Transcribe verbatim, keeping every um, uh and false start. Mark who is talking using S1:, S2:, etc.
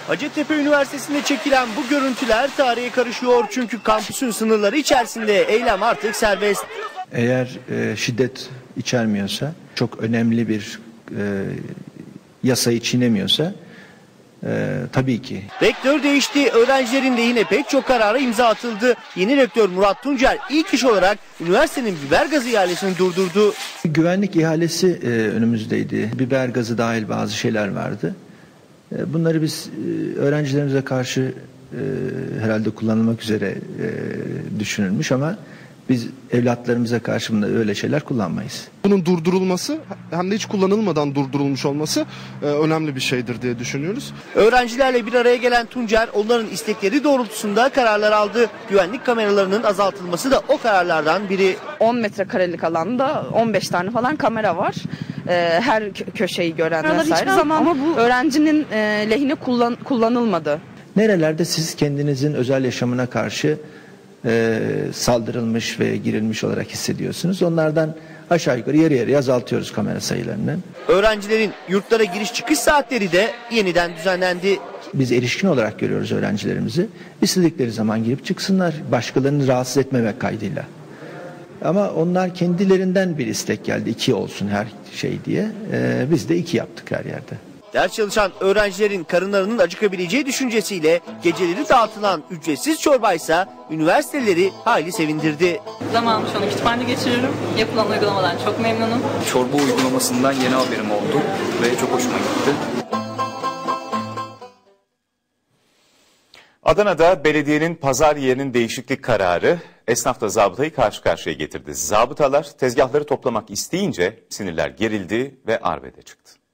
S1: Hacettepe Üniversitesi'nde çekilen bu görüntüler tarihe karışıyor çünkü kampüsün sınırları içerisinde eylem artık serbest.
S2: Eğer e, şiddet içermiyorsa, çok önemli bir e, yasayı çiğnemiyorsa e, tabii ki.
S1: Rektör değişti, öğrencilerin lehine pek çok karara imza atıldı. Yeni rektör Murat Tuncer ilk iş olarak üniversitenin biber gazı ihalesini durdurdu.
S2: Güvenlik ihalesi e, önümüzdeydi. Biber gazı dahil bazı şeyler vardı. E, bunları biz e, öğrencilerimize karşı e, herhalde kullanılmak üzere e, düşünülmüş ama biz evlatlarımıza karşı öyle şeyler kullanmayız.
S3: Bunun durdurulması hem de hiç kullanılmadan durdurulmuş olması e, önemli bir şeydir diye düşünüyoruz.
S1: Öğrencilerle bir araya gelen Tuncer onların istekleri doğrultusunda kararlar aldı. Güvenlik kameralarının azaltılması da o kararlardan biri.
S4: on metrekarelik alanda on beş tane falan kamera var. Ee, her köşeyi gören vesaire ama, ama bu öğrencinin e, lehine kullan, kullanılmadı.
S2: Nerelerde siz kendinizin özel yaşamına karşı e, saldırılmış ve girilmiş olarak hissediyorsunuz? Onlardan aşağı yukarı yarı yarıya azaltıyoruz kamera sayılarını.
S1: Öğrencilerin yurtlara giriş çıkış saatleri de yeniden düzenlendi.
S2: Biz erişkin olarak görüyoruz öğrencilerimizi. İstedikleri zaman girip çıksınlar, başkalarını rahatsız etmemek kaydıyla. Ama onlar kendilerinden bir istek geldi, iki olsun her şey diye. Ee, biz de iki yaptık her yerde.
S1: Ders çalışan öğrencilerin karınlarının acıkabileceği düşüncesiyle geceleri dağıtılan ücretsiz çorbaysa üniversiteleri hayli sevindirdi.
S5: Zamanımı şu an kütüphanede geçiriyorum. Yapılan uygulamadan çok memnunum.
S6: Çorba uygulamasından yeni haberim oldu ve çok hoşuma gitti.
S7: Adana'da belediyenin pazar yerinin değişiklik kararı esnafla zabıtayı karşı karşıya getirdi. Zabıtalar tezgahları toplamak isteyince sinirler gerildi ve arbede çıktı.